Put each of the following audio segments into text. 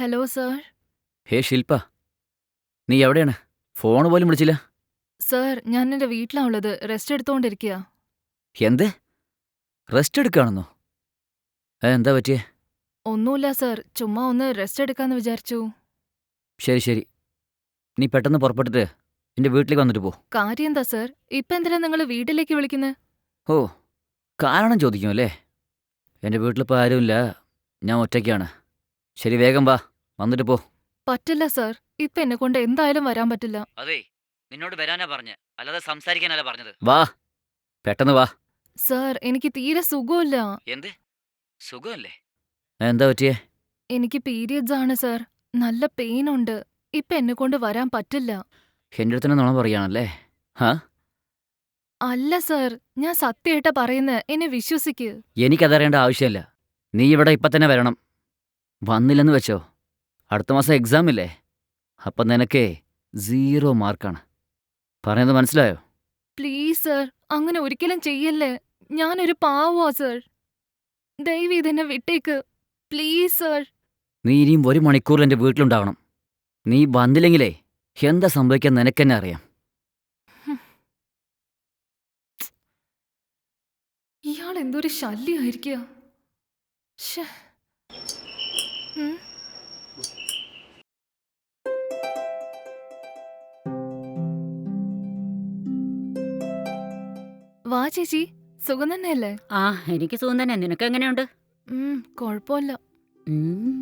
Hello sir. ഹേ ശില്പ, നീ എവിടെയാണ്? Phone പോലും വിളിച്ചില്ല. സർ, ഞാൻ എന്റെ വീട്ടിലാ ഉള്ളത്. റെസ്റ്റ് എടുത്തോണ്ടിരിക്കുക. എന്ത്? റെസ്റ്റ് എടുക്കുകയാണെന്നോ? എന്താ പറ്റിയേ? ഒന്നുമില്ല സർ, ചുമ്മാ ഒന്ന് റെസ്റ്റ് എടുക്കാന്ന് വിചാരിച്ചു. ശരി ശരി, നീ പെട്ടെന്ന് പുറപ്പെട്ടിട്ട് എൻ്റെ വീട്ടിലേക്ക് വന്നിട്ട് പോ. കാര്യം എന്താ സർ? ഇപ്പൊ എന്തിനാ നിങ്ങൾ വീട്ടിലേക്ക് വിളിക്കുന്നത്? ഓ, കാരണം ചോദിക്കും അല്ലേ? എൻ്റെ വീട്ടിലിപ്പോൾ ആരുമില്ല, ഞാൻ ഒറ്റയ്ക്കാണ്. ശരി, വേഗം വാ, വന്നിട്ട് പോ. പറ്റില്ല സർ, ഇപ്പൊ എന്നെ കൊണ്ട് എന്തായാലും വരാൻ പറ്റില്ല. അതെ, നിന്നോട് വരാനാ പറഞ്ഞ, അല്ലാതെ സംസാരിക്കാനല്ല പറഞ്ഞത്. വാ, പെട്ടെന്ന് വാ. സർ, എനിക്ക് തീരെ സുഖമില്ല. എന്ത് സുഖമല്ലേ? എന്താ പറ്റിയേ? എനിക്ക് പീരിയഡ്സ് ആണ് സർ. നല്ല പെയിൻ ഉണ്ട്. ഇപ്പൊ എന്നെ കൊണ്ട് വരാൻ പറ്റില്ല. എൻ്റെ അടുത്ത് തന്നെ നുണ പറയുകയാണല്ലേ? ഹാ, അല്ല സർ, ഞാൻ സത്യമായിട്ടാ പറയുന്നത്, എന്നെ വിശ്വസിക്ക്. എനിക്കതറിയേണ്ട ആവശ്യമില്ല. നീ ഇവിടെ ഇപ്പം തന്നെ വരണം. വന്നില്ലെന്ന് വെച്ചോ, അടുത്ത മാസം എക്സാം ഇല്ലേ? അപ്പം നിനക്കേ 0 മാർക്കാണ്. പറയുന്നത് മനസ്സിലായോ? പ്ലീസ് സർ, അങ്ങനെ ഒരിക്കലും ചെയ്യല്ലേ. ഞാനൊരു പാവമാ സർ. ദയവ് ഇതെന്നെ വിട്ടേക്ക്. Please sir. നീ ഇനിയും 1 മണിക്കൂറിൽ എൻ്റെ വീട്ടിലുണ്ടാവണം. നീ വന്നില്ലെങ്കിലേ എന്താ സംഭവിക്കാൻ നിനക്കെന്നെ അറിയാം. ഇയാൾ എന്തൊരു ശല്യമായിരിക്കുക. വാ ചേച്ചി, സുഖം തന്നെയല്ലേ? ആ, എനിക്ക് സുഖം തന്നെ. നിനക്ക് എങ്ങനെയുണ്ട്? കുഴപ്പമില്ല. ഉം.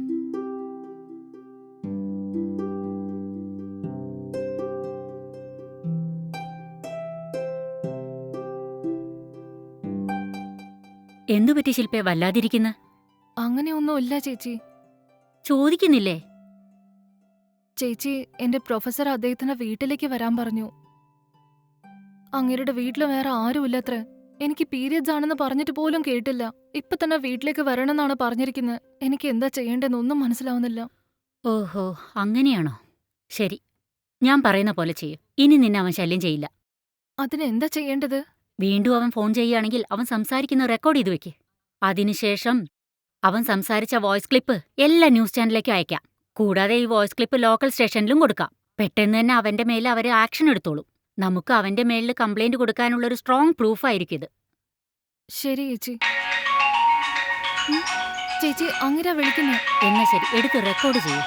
എന്തു പറ്റി ശില്പേ, വല്ലാതിരിക്കുന്ന? അങ്ങനെയൊന്നുമില്ല ചേച്ചി. ചോദിക്കുന്നില്ലേ? ചേച്ചി, എന്റെ പ്രൊഫസർ അദ്ദേഹത്തിന്റെ വീട്ടിലേക്ക് വരാൻ പറഞ്ഞു. അങ്ങേരുടെ വീട്ടിൽ വേറെ ആരുമില്ലത്രേ. എനിക്ക് പീരിയഡ്സ് ആണെന്ന് പറഞ്ഞിട്ട് പോലും കേട്ടില്ല. ഇപ്പൊ തന്നെ വീട്ടിലേക്ക് വരണമെന്നാണ് പറഞ്ഞിരിക്കുന്നത്. എനിക്ക് എന്താ ചെയ്യേണ്ടതെന്നൊന്നും മനസ്സിലാവുന്നില്ല. ഓഹോ, അങ്ങനെയാണോ? ശരി, ഞാൻ പറയുന്ന പോലെ ചെയ്യും. ഇനി നിന്നെ അവൻ ശല്യം ചെയ്യില്ല. അതിനെന്താ ചെയ്യേണ്ടത്? വീണ്ടും അവൻ ഫോൺ ചെയ്യുകയാണെങ്കിൽ അവൻ സംസാരിക്കുന്ന റെക്കോർഡ് ചെയ്തു വെക്ക്. അതിനുശേഷം അവൻ സംസാരിച്ച വോയിസ് ക്ലിപ്പ് എല്ലാ ന്യൂസ് ചാനലിലേക്കും അയക്കാം. കൂടാതെ ഈ വോയിസ് ക്ലിപ്പ് ലോക്കൽ സ്റ്റേഷനിലും കൊടുക്കാം. പെട്ടെന്ന് തന്നെ അവന്റെ മേലെ അവര് ആക്ഷൻ എടുത്തോളും. നമുക്ക് അവന്റെ മേലിൽ കംപ്ലൈന്റ് കൊടുക്കാനുള്ളൊരു സ്ട്രോങ് പ്രൂഫായിരിക്കും ഇത്. ശരി ചേച്ചി. ചേച്ചി, അങ്ങനെ വിളിക്കുന്നു. എന്നാ ശരി, എടുത്ത് റെക്കോർഡ് ചെയ്യൂ.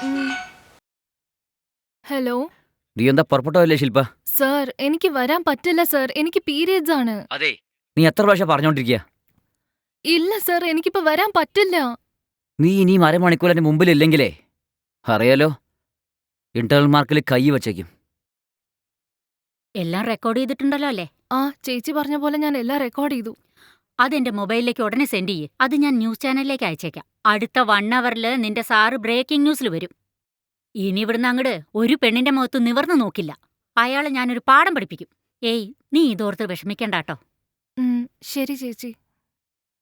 ഹലോ. നീ എന്താ പുറപ്പെട്ടോ അല്ലേ ശില്പ? സർ, എനിക്ക് വരാൻ പറ്റില്ല സർ. എനിക്ക് പീരിയഡ്സ് ആണ്. അതെ, നീ എത്ര പ്രാവശ്യം പറഞ്ഞോണ്ടിരിക്കുക? ഇല്ല സർ, എനിക്കിപ്പോ വരാൻ പറ്റില്ല. നീ ഇനിയും 1/2 മണിക്കൂർ എൻ്റെ മുമ്പിലില്ലെങ്കിലേ അറിയാലോ, ഇന്റർണൽ മാർക്കിൽ കൈ വച്ചേക്കും. എല്ലാം റെക്കോർഡ് ചെയ്തിട്ടുണ്ടല്ലോ അല്ലേ? ആ, ചേച്ചി പറഞ്ഞ പോലെ ഞാൻ എല്ലാം റെക്കോർഡ് ചെയ്തു. അതെന്റെ മൊബൈലിലേക്ക് ഉടനെ സെൻഡ് ചെയ്യ്. അത് ഞാൻ ന്യൂസ് ചാനലിലേക്ക് അയച്ചേക്കാം. അടുത്ത 1 അവറിൽ നിന്റെ സാറ് ബ്രേക്കിംഗ് ന്യൂസിൽ വരും. ഇനി ഇവിടുന്ന് അങ്ങട് ഒരു പെണ്ണിന്റെ മുഖത്ത് നിവർന്നു നോക്കില്ല. അയാളെ ഞാനൊരു പാഠം പഠിപ്പിക്കും. ഏയ്, നീ ഇതോർത്ത് വിഷമിക്കണ്ടാട്ടോ. ശരി ചേച്ചി.